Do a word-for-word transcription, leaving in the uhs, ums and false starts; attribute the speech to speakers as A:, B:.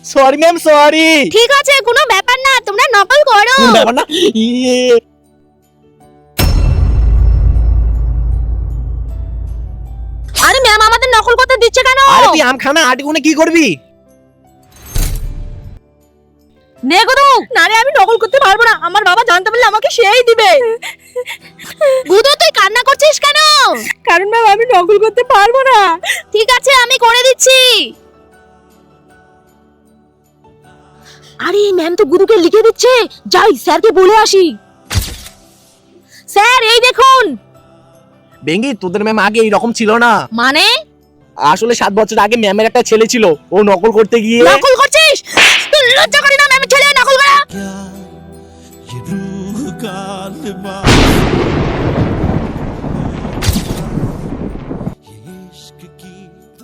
A: Sorry ma'am sorry.
B: ঠিক আছে, কোনো ব্যাপার না, তোমরা নকল করো।
A: ব্যাপার না। ইয়ে
B: আরে ম্যাম আমাদের নকল করতে দিচ্ছে কেন?
A: আরে তুই আম খানা আট গুনে কি করবি?
B: নে গুদু। না রে, আমি নকল করতে পারবো না, আমার বাবা জানতে পারলে আমাকে সেই দিবে। গুদু তুই কান্না করছিস কেন? কারণ ম্যাম আমি নকল করতে পারবো না। ঠিক আছে, আমি করে দিচ্ছি। আরে ম্যাম তো গুদুকে লিখে দিচ্ছে, যাই স্যারকে বলে আসি। স্যার এই দেখুন।
A: বেঙ্গি তোদের ম্যাম আগে এইরকম ছিল না।
B: মানে?
A: আসলে সাত বছর আগে ম্যামের একটা ছেলে ছিল, ও নকল করতে গিয়ে।
B: নকল করছিস? তুই লজ্জা করি না ম্যামের ছেলে নকল করা?
C: क्या ये रूह का लिबास